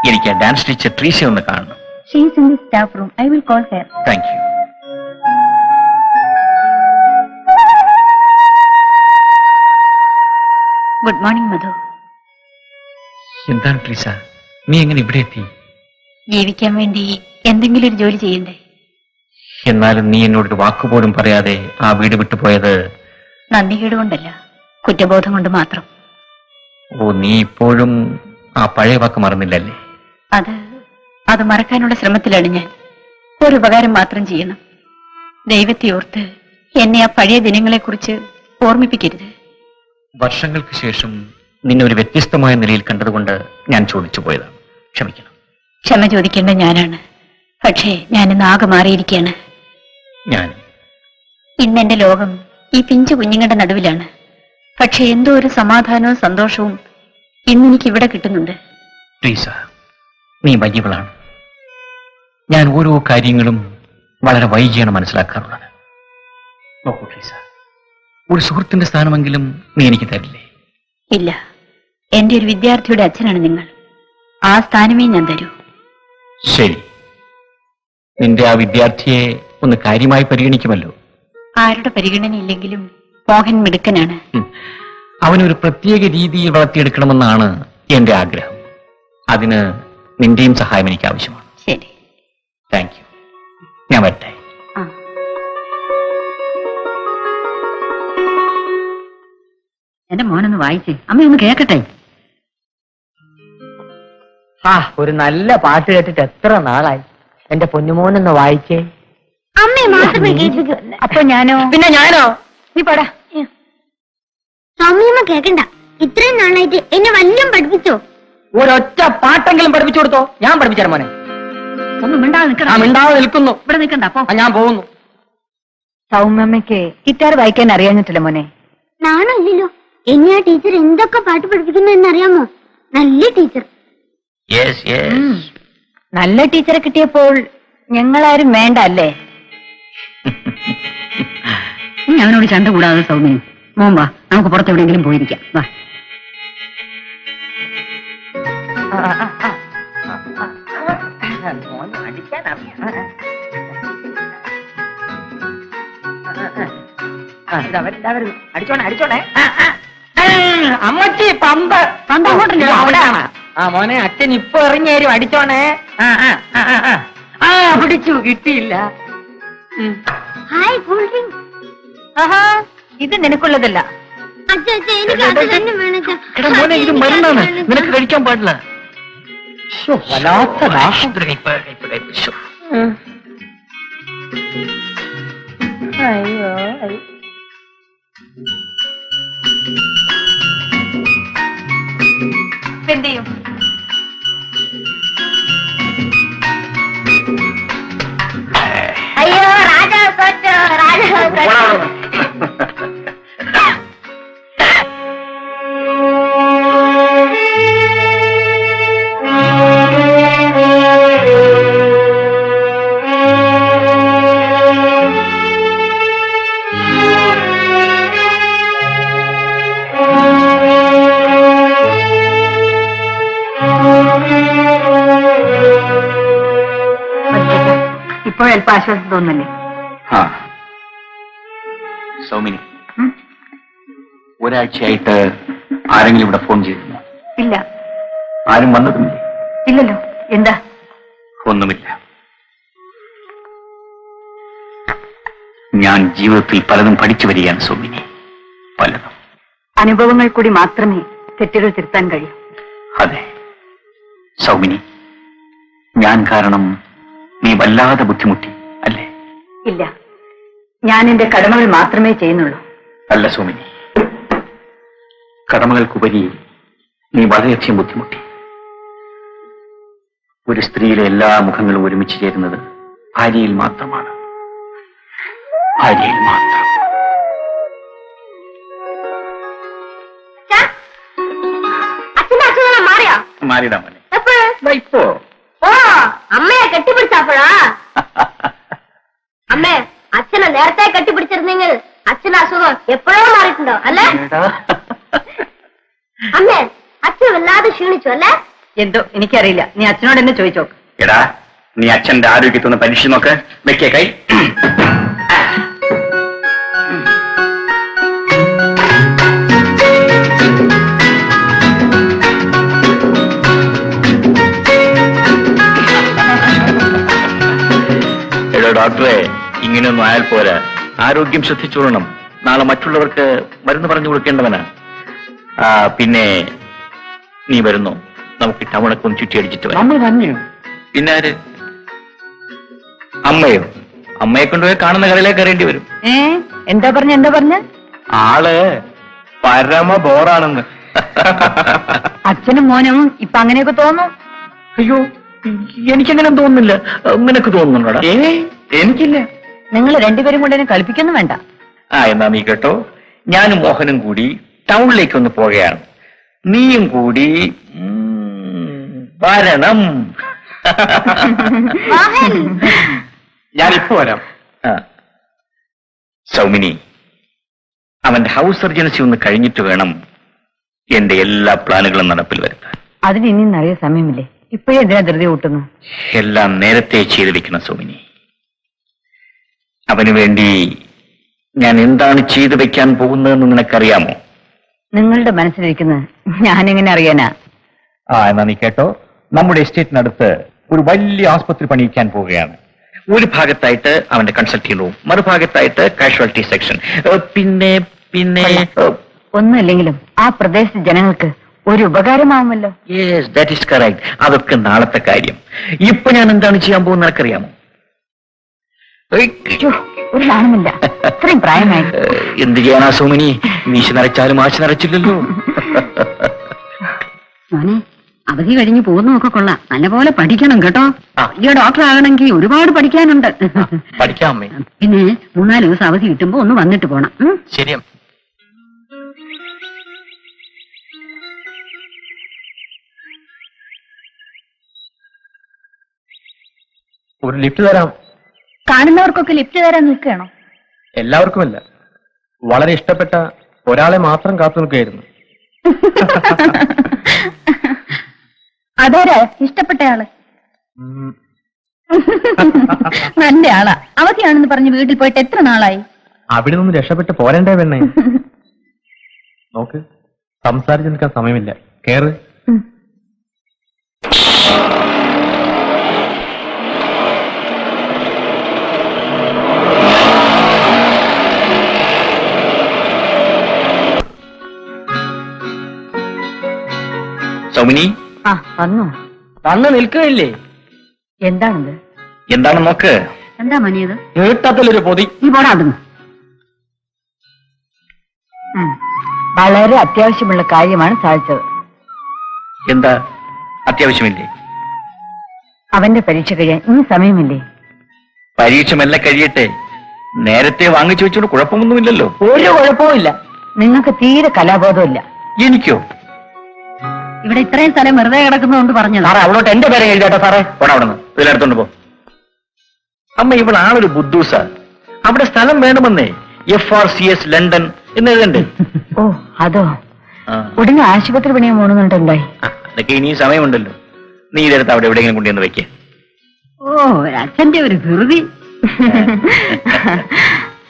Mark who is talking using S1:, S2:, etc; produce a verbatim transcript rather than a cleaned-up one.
S1: എനിക്ക് dance teacher Treesa ഒന്ന് കാണണം.
S2: She is in the staff room. I will call her.
S1: Thank you.
S2: Good morning, Madhu.
S1: എന്താണ് ട്രീസ, നീ എങ്ങനെ ഇവിടെ എത്തി?
S2: ജീവിക്കാൻ വേണ്ടി എന്തെങ്കിലും ഒരു ജോലി ചെയ്യണ്ടേ?
S1: എന്നാലും നീ എന്നോടൊരു വാക്കുപോലും പറയാതെ ആ വീട് വിട്ടുപോയത്
S2: നന്ദികേട് കൊണ്ടല്ല, കുറ്റബോധം കൊണ്ട് മാത്രം.
S1: ഓ, നീ ഇപ്പോഴും ആ പഴയ വാക്ക് മറന്നില്ലല്ലേ?
S2: അത് അത് മറക്കാനുള്ള ശ്രമത്തിലാണ് ഞാൻ. ഒരു ഉപകാരം മാത്രം ചെയ്യണം. ദൈവത്തെ ഓർത്ത് എന്നെ ആ പഴയ ദിനങ്ങളെക്കുറിച്ച് ഓർമ്മിപ്പിക്കരുത്.
S1: വർഷങ്ങൾക്ക് ശേഷം നിന്നെ ഒരു വ്യത്യസ്തമായ നിലയിൽ കണ്ടതുകൊണ്ട് ഞാൻ ചോദിച്ചു പോയതാണ്. ക്ഷമിക്കണം.
S2: ക്ഷമ ചോദിക്കേണ്ട ഞാനാണ്. പക്ഷേ ഞാനിന്ന് ആകെ മാറിയിരിക്കുകയാണ്.
S1: ഞാൻ
S2: ഇന്ന് എന്റെ ലോകം ഈ പിഞ്ചു കുഞ്ഞുങ്ങളുടെ നടുവിലാണ്. പക്ഷെ എന്തോ ഒരു സമാധാനവും സന്തോഷവും ഇന്നെനിക്ക് ഇവിടെ കിട്ടുന്നുണ്ട്.
S1: ട്രീസ, നീ വലിയവളാണ്. ഞാൻ ഓരോ കാര്യങ്ങളും വളരെ വൈകിയാണ് മനസ്സിലാക്കാറുള്ളത്. നോക്കൂ ട്രീസ, ഒരു സുഹൃത്തിന്റെ സ്ഥാനമെങ്കിലും നീ എനിക്ക് തരില്ലേ?
S2: ഇല്ല, എന്റെ ഒരു വിദ്യാർത്ഥിയുടെ അച്ഛനാണ് നിങ്ങൾ. ആ സ്ഥാനമേ ഞാൻ തരൂ.
S1: ശരി, നിന്റെ ആ വിദ്യാർത്ഥിയെ ഒന്ന് കാര്യമായി പരിഗണിക്കുമല്ലോ.
S2: ആരുടെ പരിഗണനയില്ലെങ്കിലും മോഹൻ മിടുക്കനാണ്.
S1: അവനൊരു പ്രത്യേക രീതിയിൽ വളർത്തിയെടുക്കണമെന്നാണ് എന്റെ ആഗ്രഹം. അതിന് നിന്റെയും സഹായം എനിക്ക് ആവശ്യമാണ്.
S2: ശരി,
S1: താങ്ക് യു. ഞാൻ വരട്ടെ.
S2: എന്റെ മോനൊന്ന് വായിച്ചേ, അമ്മയൊന്ന് കേക്കട്ടെ.
S3: ആ ഒരു നല്ല പാട്ട് കേട്ടിട്ട് എത്ര നാളായി. എന്റെ പൊന്നുമോനൊന്ന് വായിച്ചേ.
S4: അമ്മയെ മാത്രമേ കേൾപ്പിക്കൂ.
S2: അപ്പൊ ഞാനോ?
S3: പിന്നെ ഞാനോ? നീ പാടാ.
S4: സൗമ്യമ്മ കേക്കണ്ട. ഇത്രയും നാളായിട്ട് എന്നെ വല്ലതും പഠിപ്പിച്ചോ?
S3: ഒരൊറ്റ പാട്ടെങ്കിലും പഠിപ്പിച്ചു കൊടുത്തോ? ഞാൻ പഠിപ്പിച്ചാൽ മോനെ.
S2: ഒന്നും മിണ്ടാതെ നിൽക്കണം.
S3: ആ മിണ്ടാതെ നിൽക്കുന്നു.
S2: ഇവിടെ നിൽക്കണ്ട. അപ്പൊ
S3: ഞാൻ പോകുന്നു.
S2: സൗമ്യമ്മയ്ക്ക് ഗിറ്റാർ വായിക്കാൻ അറിയാഞ്ഞിട്ടില്ല മോനെ.
S4: നാണല്ലോ. എന്നെ ആ ടീച്ചർ എന്തൊക്കെ പാട്ട് പഠിപ്പിക്കുന്നു എന്നറിയാമോ? നല്ല ടീച്ചർ.
S2: നല്ല ടീച്ചറെ കിട്ടിയപ്പോൾ ഞങ്ങളാരും വേണ്ട അല്ലേ? നീ അവനോട് ചണ്ട കൂടാതെ സൗമ്യം. മോൻ വാ, നമുക്ക് പുറത്തെവിടെയെങ്കിലും പോയിരിക്കാം. വാ.
S3: അടിച്ചോണേ അടിച്ചോണേ. അമ്മച്ചി പമ്പ് പമ്പ് അങ്ങോട്ടല്ലോ, അവിടെയാണ്. ആ മോനെ, അച്ഛൻ ഇപ്പൊ ഇറങ്ങി തരും. അടിച്ചോണേ. ആ ആ പിടിച്ചു, കിട്ടിയില്ല.
S4: Hi, cool drink.
S2: ആഹാ, ഇത് നിനക്കുള്ളതല്ല.
S4: അച്ഛാ അച്ഛാ, എനിക്ക് അത് തന്നെ വേണം.
S1: എടാ മോനെ, ഇത് മരുന്നാണ്, നിനക്ക് കഴിക്കാൻ പാടില്ല.
S3: വല്ലാത്ത ദാഹം.
S4: അയ്യോ
S2: എന്ത് ചെയ്യും?
S4: അയ്യോ, രാജാ സോച്ചോ, രാജാ സോച്ചോ.
S2: ഇപ്പോഴൽപ്പം ആശ്വാസം തോന്നല്ലേ?
S1: ആ സൗമിനി, ഒരാഴ്ചയായിട്ട് ആരെങ്കിലും ഇവിടെ ഫോൺ ചെയ്തിരുന്നു?
S2: ഇല്ല.
S1: ആരും വന്നതുമില്ലേ?
S2: ഇല്ലല്ലോ. എന്താ?
S1: ഒന്നുമില്ല. ഞാൻ ജീവിതത്തിൽ പലതും പഠിച്ചു വരികയാണ് സൗമിനി, പലതും.
S2: അനുഭവങ്ങൾ കൂടി മാത്രമേ തെറ്റുകൾ തിരുത്താൻ കഴിയൂ.
S1: അതെ സൗമിനി, ഞാൻ കാരണം നീ വല്ലാതെ ബുദ്ധിമുട്ടി അല്ലേ?
S2: ഇല്ല, ഞാൻ എന്റെ കടമകൾ മാത്രമേ ചെയ്യുന്നുള്ളൂ.
S1: അല്ല സൗമിനി, കടമകൾക്കുപരി നീ വളരെയധികം ബുദ്ധിമുട്ടി. ഒരു സ്ത്രീയിലെ എല്ലാ മുഖങ്ങളും ഒരുമിച്ച് ചേരുന്നത് ഭാര്യയിൽ മാത്രമാണ്. ഭാര്യയിൽ മാത്രം.
S4: അച്ഛന്റെ അസുഖം മാറിയോ?
S1: മാറിയിടാ മോനെ.
S4: ഇപ്പോ ഓ, അമ്മയെ കെട്ടിപ്പിടിച്ചപ്പോഴാ? അമ്മേ, അച്ഛനെ നേരത്തെ കെട്ടിപ്പിടിച്ചിരുന്നെങ്കിൽ അച്ഛന്റെ അസുഖം എപ്പോഴോ മാറിയിട്ടുണ്ടോ അല്ലേ? അമ്മേ, അച്ഛൻ വല്ലാതെ ക്ഷീണിച്ചു അല്ലേ?
S3: എന്തോ എനിക്കറിയില്ല, നീ അച്ഛനോട് എന്നെ ചോദിച്ചോ.
S1: എടാ, നീ അച്ഛന്റെ ആരോഗ്യത്തൊന്ന് പരീക്ഷ നോക്ക്. വെക്കേ കൈ. എടോ ഡോക്ടറെ, ഇങ്ങനെയൊന്നും ആയാൽ പോരാ. ആരോഗ്യം ശ്രദ്ധിച്ചോളണം. നാളെ മറ്റുള്ളവർക്ക് മരുന്ന് പറഞ്ഞു കൊടുക്കേണ്ടവനാ. ആ പിന്നെ നീ വരുന്നു, നമുക്ക് ടൗണൊക്കെ ഒന്ന് ചുറ്റി അടിച്ചിട്ട് വരാം.
S3: നമ്മൾ തന്നെയോ?
S1: പിന്നെ ആര്? അമ്മയോ? അമ്മയെ കൊണ്ടുപോയി കാണുന്ന കടയിലേക്ക് കയറേണ്ടി വരും.
S3: ഏ എന്താ പറഞ്ഞ എന്താ പറഞ്ഞ
S1: ആള് പരമ ബോറാണെന്ന്.
S3: അച്ഛനും മോനും ഇപ്പൊ അങ്ങനെയൊക്കെ തോന്നും.
S1: അയ്യോ, എനിക്കങ്ങനെ തോന്നുന്നില്ല. നിനക്ക് തോന്നുന്നുണ്ടോടാ? ഏ എനിക്കില്ല.
S3: നിങ്ങൾ രണ്ടുപേരും കൊണ്ട് എന്നെ കളിപ്പിക്കൊന്നും വേണ്ട.
S1: ആ എന്നാ നീ കേട്ടോ, ഞാനും മോഹനും കൂടി ടൗണിലേക്ക് ഒന്ന് പോവുകയാണ്. നീയും കൂടി ഉം, വരണം. ഞാനിപ്പോ വരാം. ആ. സൗമിനി, അവന്റെ ഹൗസ് സർജൻസി ഒന്ന് കഴിഞ്ഞിട്ട് വേണം എന്റെ എല്ലാ പ്ലാനുകളും നടപ്പിൽ വരുത്താൻ.
S3: അതിന് ഇനി നിറയെ സമയമില്ലേ? ഇപ്പോഴേ എന്തിനാ ധൃതി കൂട്ടുന്നു?
S1: എല്ലാം നേരത്തെ ചെയ്തു വെക്കണം സൗമിനി. അവന് വേണ്ടി ഞാൻ എന്താണ് ചെയ്തു വെക്കാൻ പോകുന്നതെന്ന് നിനക്കറിയാമോ?
S3: നിങ്ങളുടെ മനസ്സിലിരിക്കുന്നത് ഞാനെങ്ങനെ അറിയാനാ?
S1: ആ എന്നാ നീ കേട്ടോ, നമ്മുടെ എസ്റ്റേറ്റിനടുത്ത് ഒരു വലിയ ആസ്പത്രി പണിയിക്കാൻ പോവുകയാണ്. ഒരു ഭാഗത്തായിട്ട് അവന്റെ കൺസൾട്ടിംഗ് റൂം, മറുഭാഗത്തായിട്ട് കാഷ്വാലിറ്റി സെക്ഷൻ. പിന്നെ പിന്നെ
S3: ഒന്നുമില്ലെങ്കിലും ആ പ്രദേശത്തെ ജനങ്ങൾക്ക് ഒരു ഉപകാരമാവുമല്ലോ.
S1: Yes, that is correct. അതൊക്കെ നാളത്തെ കാര്യം. ഇപ്പൊ ഞാൻ എന്താണ് ചെയ്യാൻ പോകുന്നത് നിനക്കറിയാമോ?
S3: ഛോ, ഒരു നാണമില്ല, ഇത്രയും പ്രായമായി.
S1: എന്ത് ചെയ്യാനാ സോമിനി, മീശ നരച്ചാലും ആശ നരച്ചില്ലല്ലോ.
S2: മോനെ, അവധി കഴിഞ്ഞ് പോകുന്നതൊക്കെ കൊള്ളാം. നല്ലപോലെ പഠിക്കണം കേട്ടോ.
S1: ആ.
S2: ഈ ഡോക്ടർ ആകണമെങ്കിൽ ഒരുപാട് പഠിക്കാനുണ്ട്.
S1: പഠിക്കാം അമ്മേ.
S2: പിന്നെ മൂന്നാല് ദിവസം അവധി കിട്ടുമ്പോ ഒന്ന് വന്നിട്ട് പോണം. ഉം?
S1: ശരിയാ.
S5: ഒരു ലിഫ്റ്റ് തരാം.
S2: കാണുന്നവർക്കൊക്കെ ലിഫ്റ്റ് തരാൻ നിൽക്കുകയാണോ?
S5: എല്ലാവർക്കുമല്ല, വളരെ ഇഷ്ടപ്പെട്ട ഒരാളെ മാത്രം കാത്തു നിൽക്കുകയായിരുന്നു.
S2: അതാരാ ഇഷ്ടപ്പെട്ടയാള്?
S5: ഉം,
S2: നല്ല ആളാ. അവധിയാണെന്ന് പറഞ്ഞ് വീട്ടിൽ പോയിട്ട് എത്ര നാളായി?
S5: അവിടെ നിന്ന് രക്ഷപ്പെട്ട് പോരണ്ടേ പെണ്ണേ? നോക്ക്, സംസാരിച്ചു നിൽക്കാൻ സമയമില്ല. കേറ്.
S1: സൗമിനി,
S3: ആ വന്നു.
S5: വന്ന് നിൽക്കുകയില്ലേ?
S3: എന്താണിത്?
S1: എന്താണ് നോക്ക്.
S2: എന്താ മനിയത്?
S5: നീട്ടത്തിലൊരു പൊതി.
S2: നീ പോടാ അവിടുന്ന്.
S3: ഉം. വളരെ അത്യാവശ്യമുള്ള കാര്യമാണ് സാധിച്ചത്.
S1: എന്താ അത്യാവശ്യമില്ലേ?
S3: അവന്റെ പരീക്ഷ കഴിയാൻ ഇനി സമയമില്ലേ?
S1: പരീക്ഷ മെല്ലെ കഴിയട്ടെ. നേരത്തെ വാങ്ങിച്ചു വെച്ചോണ്ട് കുഴപ്പമൊന്നുമില്ലല്ലോ.
S3: ഒരു കുഴപ്പവുമില്ല. നിങ്ങൾക്ക് തീരെ കലാബോധമില്ല.
S1: എനിക്കോ?
S2: ഇവിടെ ഇത്രയും സ്ഥലം വെറുതെ കിടക്കുന്നതുകൊണ്ട് പറഞ്ഞതാ.
S1: സാറേ, അവളോട്ട് എന്റെ പേരെ എഴുതാട്ടോ സാറേ. പോടാ അവിടെ നിന്ന്, ഇതിലെടുത്തോണ്ട് പോ. അമ്മ, ഇവിടെ ആളൊരു ബുദ്ധൂസ. അവിടെ സ്ഥലം വേണമെന്നേ. F R C S London എന്ന് എഴുതണ്ടേ?
S3: ഓ അതോ.
S1: ആ.
S3: ഉടനെ ആശുപത്രി പണിയാൻ പോണെന്നുണ്ടായി.
S1: ആ, അതൊക്കെ ഇനിയും സമയമുണ്ടല്ലോ. നീ ഇതെടുത്ത് അവിടെ എവിടെയെങ്കിലും കൊണ്ടുവന്ന് വെക്കേ.
S2: ഓ, അച്ഛന്റെ ഒരു ധൃതി.